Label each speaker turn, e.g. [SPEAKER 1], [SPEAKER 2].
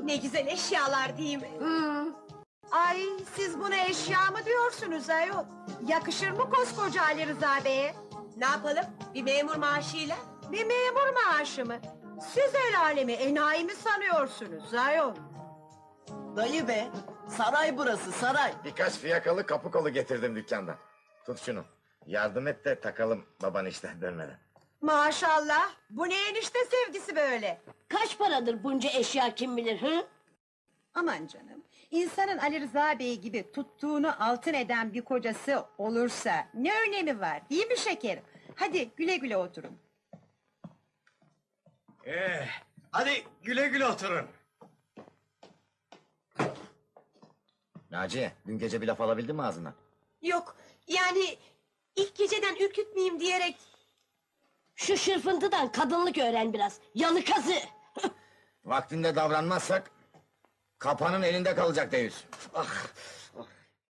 [SPEAKER 1] Ne güzel eşyalar değil mi?
[SPEAKER 2] Ay siz buna eşya mı diyorsunuz ayol? Yakışır mı koskoca Ali Rıza Bey'e?
[SPEAKER 1] Ne yapalım? Bir memur maaşıyla?
[SPEAKER 2] Bir memur maaşı mı? Siz el alemi enayi mi sanıyorsunuz ayol?
[SPEAKER 3] Dayı be, saray burası saray.
[SPEAKER 4] Birkaç fiyakalı kapı kolu getirdim dükkandan. Tut şunu. Yardım et de takalım baban işten dönmeden.
[SPEAKER 2] Maşallah, bu ne enişte sevgisi böyle?
[SPEAKER 5] Kaç paradır bunca eşya kim bilir hı?
[SPEAKER 2] Aman canım, insanın Ali Rıza Bey gibi tuttuğunu altın eden bir kocası olursa ne önemi var, değil mi şekerim? Hadi güle güle oturun.
[SPEAKER 6] Hadi güle güle oturun.
[SPEAKER 4] Naciye, dün gece bir laf alabildin mi ağzından?
[SPEAKER 1] Yok, yani ilk geceden ürkütmeyeyim diyerek...
[SPEAKER 5] Şu şırfıntıdan kadınlık öğren biraz. Yalıkazı.
[SPEAKER 4] Vaktinde davranmazsak... ...kapanın elinde kalacak Deyüz.
[SPEAKER 6] Ah,